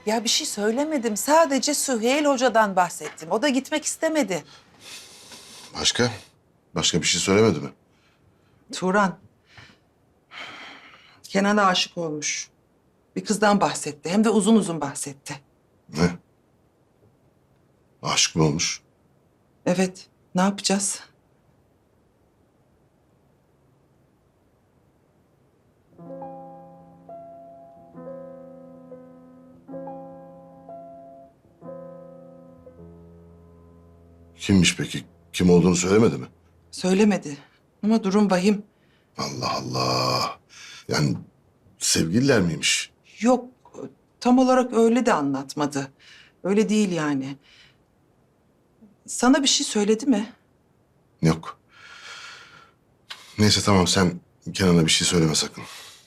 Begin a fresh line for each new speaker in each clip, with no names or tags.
Ya bir şey söylemedim. Sadece Süheyl Hoca'dan bahsettim. O da gitmek istemedi.
Başka? Başka bir şey söylemedi mi?
Turan, Kenan'a aşık olmuş. Bir kızdan bahsetti. Hem de uzun uzun bahsetti.
Ne? Aşık mı olmuş?
Evet, ne yapacağız?
Kimmiş peki? Kim olduğunu söylemedi mi?
Söylemedi. Ama durum vahim.
Allah Allah. Yani sevgililer miymiş?
Yok, tam olarak öyle de anlatmadı. Öyle değil yani. Sana bir şey söyledi mi?
Yok. Neyse tamam sen Kenan'a bir şey söyleme sakın.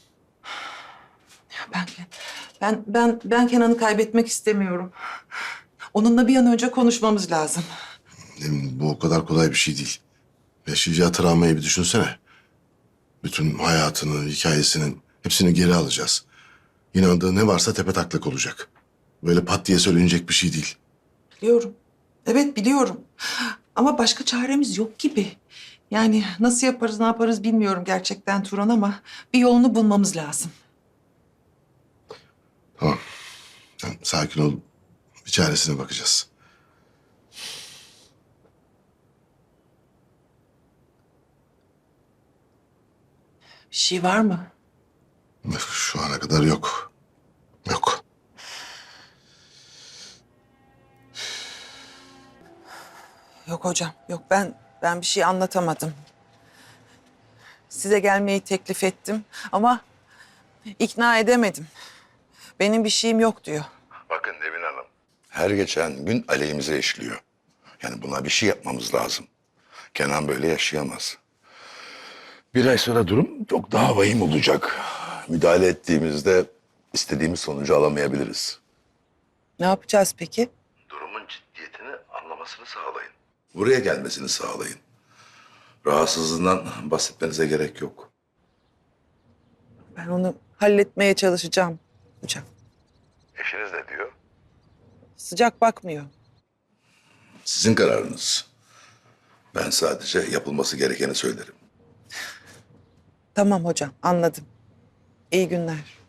Ben Kenan'ı kaybetmek istemiyorum. Onunla bir an önce konuşmamız lazım.
Emin, bu o kadar kolay bir şey değil. Yaşayacağı travmayı bir düşünsene. Bütün hayatını, hikayesinin hepsini geri alacağız. İnandığı ne varsa tepetaklak olacak. Böyle pat diye söylenecek bir şey değil.
Biliyorum. Evet biliyorum. Ama başka çaremiz yok gibi. Yani nasıl yaparız, ne yaparız bilmiyorum gerçekten Turan ama bir yolunu bulmamız lazım.
Tamam. Sen sakin ol. Bir çaresine bakacağız.
Bir şey var mı?
Şu ana kadar yok. Yok.
Yok hocam, yok ben bir şey anlatamadım. Size gelmeyi teklif ettim ama ikna edemedim. Benim bir şeyim yok diyor.
Bakın Nevin Hanım. Her geçen gün aleyhimize işliyor. Yani buna bir şey yapmamız lazım. Kenan böyle yaşayamaz. Bir ay sonra durum çok daha vahim olacak. Müdahale ettiğimizde istediğimiz sonucu alamayabiliriz.
Ne yapacağız peki?
Durumun ciddiyetini anlamasını sağlayın. Buraya gelmesini sağlayın. Rahatsızlığından bahsetmenize gerek yok.
Ben onu halletmeye çalışacağım hocam.
Eşiniz ne diyor?
Sıcak bakmıyor.
Sizin kararınız. Ben sadece yapılması gerekeni söylerim.
Tamam hocam, anladım. İyi günler.